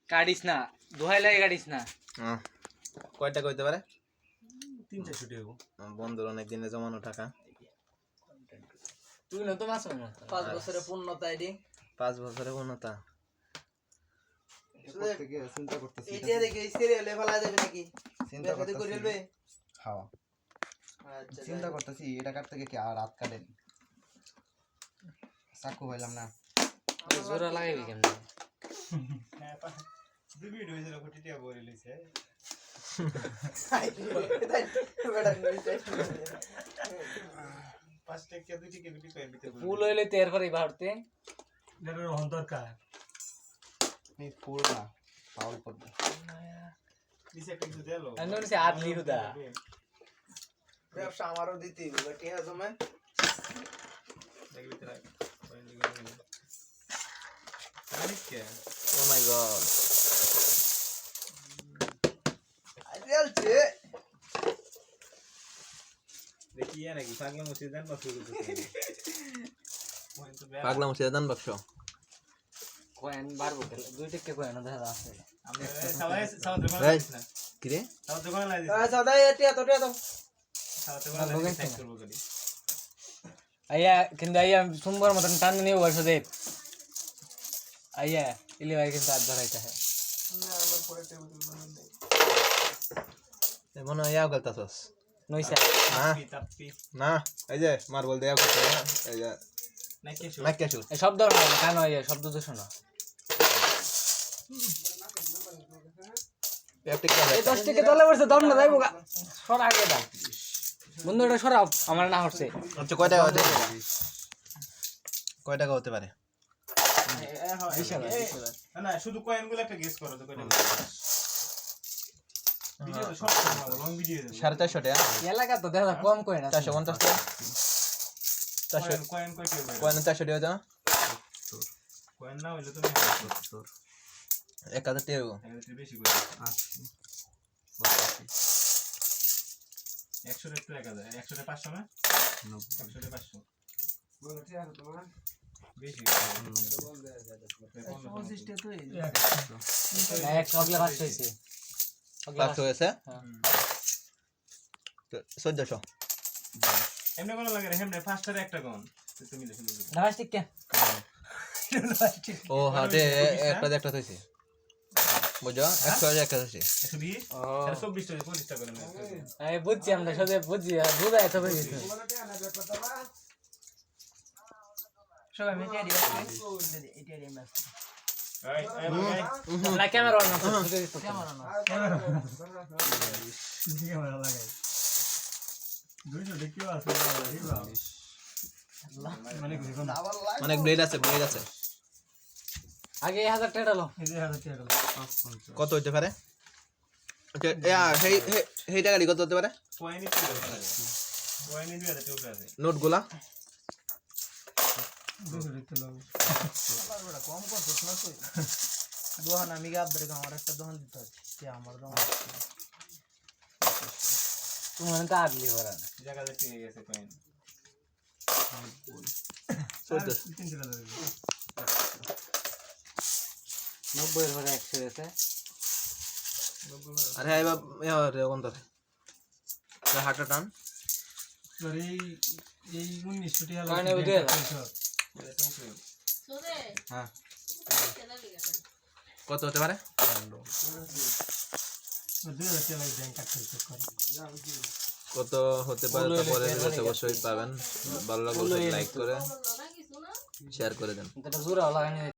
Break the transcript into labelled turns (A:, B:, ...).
A: কাটিস না, দোহাই লাগে কাটিস না।
B: কয়টা কইতে পারে?
C: 3-4 ছুটি হবো।
B: বন্ধুর অনেক দিনে জমানো টাকা।
A: তুই না তো মাছ না
D: 5 বছরের পূর্ণতা এডি
B: 5 বছরের পূর্ণতা।
D: চিন্তা করতেছি এটা দেখে সিরিয়ালে ফেলা যাবে নাকি? চিন্তা করতে করিলবে।
E: হ্যাঁ
D: আচ্ছা
E: চিন্তা করতেছি এটা কাটতে গিয়ে কি আর রাত কাটেন চাকু পাইলাম না
A: জোড়া লাগাইবি কেমনে?
C: হ্যাঁ দুই ভিডিও হইছিল কোটিটিয়া বলে লইছে।
D: বেটা নিতে
C: 5 টাকা 2 টাকা গুটি কই দিতে বলে।
A: ফুল হইলে তের পরে ভারতে
C: এটার হন দরকার।
E: এই ফুল না ফাউল করবে
C: দিছে একটা কিছু দেলো।
A: আন্দন সে আদলি হুদা
D: ব্যবসা আমারও দিতে হবে ঠিক আছে জমে
C: দেখবি তোরা পয়েন্ট দিগো। আনিকে
B: ও মাই গড।
D: আইলছে
C: দেখি নাকি পাগলা মসজিদ দেন বা শুরু করতে। পয়েন্ট তো বেয়া।
B: পাগলা মুছে দান বাক্স।
A: কয়েন বারবো দুই টাকা কয়েন দেখা আছে।
C: আমরা সবাই সাউথ দোকানে
B: ভাই।
C: লাগিস না।
B: কি রে?
C: সাউথ দোকানে লাগিস।
D: সাদা এটিয়া তো
C: সাউথ দোকানে লাগিস চেক করব করি।
A: আইয়া কিন্তু আইয়া সুন্দর মতন টান নিয়ে বসে দে আইয়া ইলি ভাই কিন্তু আজ ধরাইতে হয়
D: না আমার পরে টেবিল বানাই
B: মনে হয় ইয়াও গলতাছস।
A: নইসা
B: না
C: তাপি
B: না এই যে মার্বল দেয়া করতে এই যে
C: নাকি শু।
B: না কেশু।
A: এই শব্দ না কেন আইয়া শব্দ তো শোনো
B: প্যাপটিক করে
A: এই 10 টাকা তলে বসে দম না যাইবো গা সর আগে দা বন্ধুটা সরাও আমার না হচ্ছে
B: আচ্ছা কয় টাকা হতে পারে? কয় টাকা হতে পারে?
C: না শুধু কয়েনগুলো একটা গেস করো তো কয়টা। ভিডিও তো শর্ট করব লং ভিডিও দেব।
B: 450 টাকা।
A: এলাকা তো দেখা কম কই না
B: 450 টাকা। 400
C: কয়েন কয়টা হবে?
B: কয় না 400 টাকা দাও।
C: কয়েন না হইলে তুমি
B: 1000 টাকা হইবো।
C: এর বেশি করে 100 এর তো 1000 100 এর 500 না 100 এর 500
D: বলো ঠিক আছে তোমার
C: বেশি
D: পঁচিশটা তো
A: এক অগলা ভাত হইছে
B: 500 হয়েছে।
A: হ্যাঁ
B: 1400।
C: এমনি কোন লাগে রে হেমনে ফার্স্টার একটা কোন তুমি লিখে দিবে
A: নামাজ ঠিক কে
B: ও হাটে একটা একটা হইছে। বুঝছো 100 একটা হইছে।
C: 120
A: ও
C: তাহলে 24 টাকা 40 টাকা করে নেবে
A: এই বুঝছি আমরা সবে বুঝছি বুঝা এত হয়ে গেছে
D: সবাই মিটিয়ে দিও এটিয়া দিও বাস
C: এই
A: না ক্যামেরা অন করতে
D: ক্যামেরা না
C: ক্যামেরা লাগাই 200 দেখিও আছে মানে কি কোন
B: অনেক ব্লেড আছে ব্লেড আছে।
A: আগে 1000 টাকা লো
C: এই যে 1000 টাকা
B: কত হইতে পারে? ওকে এই টাকাটি কত হতে পারে?
C: কয়েনই তো কয়েনই 2000 টাকা আছে
B: নোটগুলা
C: 200 দেখতে লাগবে
D: বড় কম করছিস না তুই দোহান আমি গাব ধরে আমার একটা দোহান দিতে হচ্ছে কি আমার দোহান
A: তুমি তো আদলি ভরা না
C: জায়গা দেখতে গেছে কয়েন
B: 1400
A: 90 এর ভরা 100 আছে
B: আরে আইবা রে কোন ধরে হাটটা টান।
C: আরে এই 1900 টাকা
A: কারণে ওই 2000
B: হ্যাঁ কত হতে পারে?
C: 2000 টাকা ব্যাংক কাটতে করে
B: কত হতে পারে তা পরে অবশ্যই পাবেন। ভালো লাগলে লাইক করে শেয়ার করে দেন।
A: এটা জোরা লাগানি